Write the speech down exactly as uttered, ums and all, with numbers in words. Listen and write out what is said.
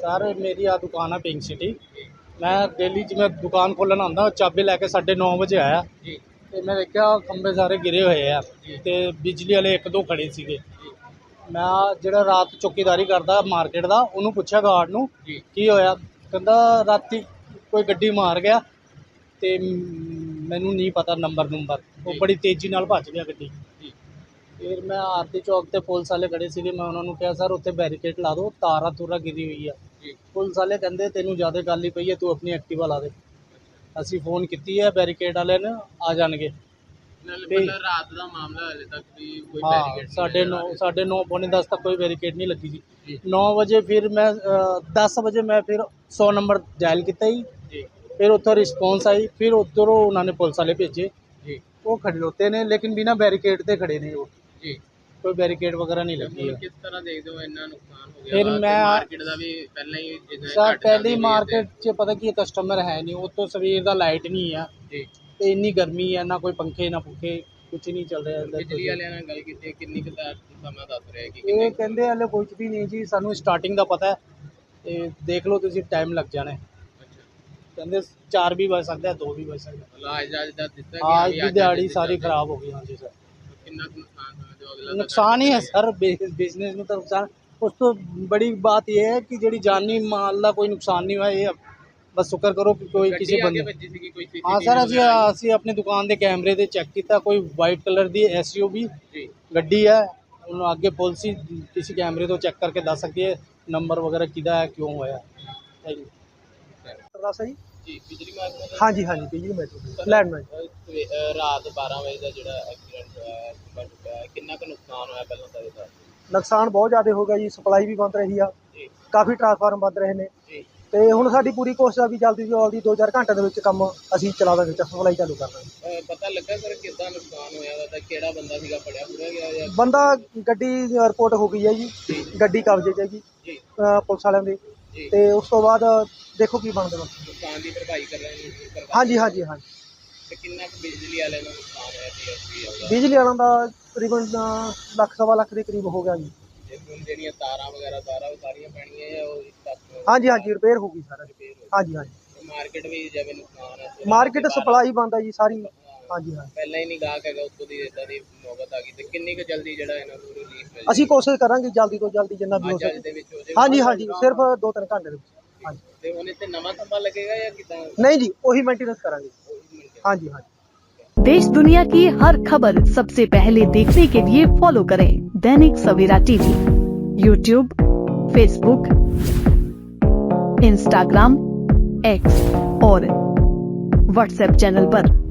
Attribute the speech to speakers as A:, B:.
A: Sir मेरी आ दुकान है पिंक सिटी। मैं डेली जिवें दुकान खोलन आंदा चाबी लैके साढ़े नौ बजे आया तो मैं देखा खंबे सारे गिरे हुए हैं तो बिजली वाले एक दो खड़े सीगे। मैं ਜਿਹੜਾ रात चौकीदारी करता मार्केट का उन्होंने पूछा गार्ड ਨੂੰ की होया, कहता राती कोई गड्डी मार गया तो मैनू नहीं पता नंबर नंबर वो बड़ी तेज़ी नाल भज गया गड्डी। फिर मैं आरती चौक ते पुलिस वाले खड़े सी, मैं उन्होंने कहा सर उत्थे बैरीकेड ला दो, तारा तूरा गिरी हुई है। पुलिस वाले कहते तेनू ज़्यादा गल ही पई है, तू अपनी एक्टिवा ला दे। असी फोन की है बैरीकेड वाले ने आ जाएंगे।
B: रात का मामला हाले तक भी कोई
A: हाँ साढ़े नौ साढ़े नौ पौने दस तक कोई बैरीकेड नहीं लगी थी। नौ बजे फिर मैं दस बजे मैं फिर सौ नंबर डायल किया ही, फिर उत्थों रिस्पॉन्स आई, फिर उधरों उन्होंने पुलिस वाले भेजे, वो खड़ोते ने लेकिन बिना बैरीकेड के खड़े ने, वो कोई बैरीकेड वगैरह नहीं लगी है।
B: किस तरह देखते हो इतना नुकसान हो गया?
A: फिर मैं
B: मार्केट का भी पहले ही
A: सर पहली मार्केट च पता की कस्टमर है नहीं, वो तो सवेर का लाइट नहीं है तो इन्नी गर्मी है, ना कोई पंखे ना पंखे कुछ नहीं चल रहा है।
B: बिजली वाले नाल गल कीती किन्नी क समा दस रहे कि
A: ये कहंदे हले कुछ भी नहीं जी, सानू स्टार्टिंग का पता है ते देख लो तुसीं टाइम लग जाना है। कहंदे चार भी बज सकता है, दो भी बज सकता है।
B: आज आज दा दित्ता
A: आज की दिहाड़ी सारी खराब हो गई। हाँ जी सर
B: कितना नुकसान होया जो अगला
A: नुकसान ही है सर, बिजनेस में तो नुकसान। उस तो बड़ी बात यह है कि जी जानी माल का कोई नुकसान नहीं हुआ, ये बस शुक्र करो कि कोई किसी बंदे। हाँ सर असी असी अपनी दुकान के कैमरे से चेक किया, कोई वाइट कलर की एस यू बी गड्डी है, उन्होंने आगे पुलिस ही किसी कैमरे तो चेक करके दस सकती है नंबर वगैरह किदा है क्यों होया।
B: जी बिजली महकमा
C: हाँ जी हाँ जी बिजली महकमा लैंडमैन
B: रात बारह बजे का जो एक्सीडेंट होया खंभा टुटिया है, कितना का नुकसान होया पहले तो ये दस।
C: ਨੁਕਸਾਨ ਬਹੁਤ ਜ਼ਿਆਦਾ ਹੋ ਗਿਆ ਜੀ, ਸਪਲਾਈ ਵੀ ਬੰਦ ਰਹੀ ਆ, ਕਾਫੀ ਟਰਾਂਸਫਾਰਮ ਬੰਦ ਰਹੇ ਨੇ ਤੇ ਹੁਣ ਸਾਡੀ ਪੂਰੀ ਕੋਸ਼ਿਸ਼ ਆ ਵੀ ਜਲਦੀ ਤੋਂ ਜਲਦੀ ਦੋ ਚਾਰ ਘੰਟੇ ਦੇ ਵਿੱਚ ਕੰਮ ਅਸੀਂ ਚਲਾ ਦਾਂਗੇ, ਸਪਲਾਈ ਚਾਲੂ ਕਰ ਦਾਂਗੇ।
B: ਪਤਾ ਲੱਗਾ ਸਰ ਕਿੱਦਾਂ ਨੁਕਸਾਨ ਹੋਇਆ ਦਾ, ਤਾਂ ਕਿਹੜਾ ਬੰਦਾ ਸੀਗਾ ਫੜਿਆ ਫੜਿਆ ਗਿਆ ਜਾਂ
C: ਬੰਦਾ ਗੱਡੀ ਰਿਪੋਰਟ ਹੋ ਗਈ ਹੈ ਜੀ, ਗੱਡੀ ਕਬਜ਼ੇ 'ਚ ਹੈ ਜੀ ਪੁਲਿਸ ਵਾਲਿਆਂ ਦੇ, ਤੇ ਉਸ ਤੋਂ ਬਾਅਦ ਦੇਖੋ ਕੀ ਬਣਦਾ।
B: ਨੁਕਸਾਨ ਦੀ ਭਰਪਾਈ ਕਰ ਰਹੇ ਨੇ?
C: ਹਾਂਜੀ ਹਾਂਜੀ ਹਾਂਜੀ।
B: ਤੇ ਕਿੰਨਾ ਕੁ ਬਿਜਲੀ ਵਾਲਿਆਂ ਦਾ ਨੁਕਸਾਨ ਹੋਇਆ ਜੀ?
C: ਬਿਜਲੀ ਵਾਲਿਆਂ ਦਾ ਤਕਰੀਬਨ ਲੱਖ ਸਵਾ ਲੱਖ ਦੇ ਕਰੀਬ ਹੋ ਗਿਆ ਜੀ।
B: ਜਿਹੜੀਆਂ ਤਾਰਾਂ ਵਗੈਰਾ ਤਾਰਾਂ ਉਹ ਸਾਰੀਆਂ ਪੈਣੀਆਂ ਜਾਂ ਉਹ ਇਸ ਤੱਕ?
C: ਹਾਂਜੀ ਹਾਂਜੀ ਰਿਪੇਅਰ ਹੋ ਗਈ ਸਾਰਾ। ਹਾਂਜੀ ਹਾਂਜੀ
B: ਮਾਰਕੀਟ ਵੀ ਜਿਵੇਂ ਨੁਕਸਾਨ ਹੈ,
C: ਮਾਰਕੀਟ ਸਪਲਾਈ ਬੰਦ ਹੈ ਜੀ ਸਾਰੀ। ਹਾਂਜੀ ਹਾਂਜੀ
B: ਪਹਿਲਾਂ ਹੀ ਨਹੀਂ ਗਾਹਕ ਹੈਗਾ, ਉੱਤੋਂ ਦੀ ਇਦਾਂ ਦੀ ਨੌਬਤ ਆ ਗਈ, ਤੇ ਕਿੰਨੀ ਕੁ ਜਲਦੀ ਜਿਹੜਾ ਇਹਨਾਂ ਨੂੰ ਰਿਲੀਫ ਮਿਲ
C: ਅਸੀਂ ਕੋਸ਼ਿਸ਼ ਕਰਾਂਗੇ ਜਲਦੀ ਤੋਂ ਜਲਦੀ ਜਿੰਨਾ ਵੀ ਹੋ
B: ਜਾਵੇ
C: ਸਕੇ।
B: ਦੇ ਵਿੱਚ ਹੋ ਜਾਵੇ?
C: ਹਾਂਜੀ ਹਾਂਜੀ ਸਿਰਫ ਦੋ ਤਿੰਨ ਘੰਟੇ ਦੇ ਵਿੱਚ। ਹਾਂਜੀ
B: ਤੇ ਹੁਣ ਇੱਥੇ ਨਵਾਂ ਖੰਭਾ ਲੱਗੇਗਾ ਜਾਂ ਕਿਦਾਂ?
C: ਨਹੀਂ ਜੀ ਉਹੀ ਮੇਨਟੇਨੈਂਸ ਕਰਾਂਗੇ। ਹਾਂਜੀ ਹਾਂਜੀ।
D: देश दुनिया की हर खबर सबसे पहले देखने के लिए फॉलो करें Dainik Savera TV, YouTube, Facebook, Instagram, X और व्हाट्सएप चैनल पर।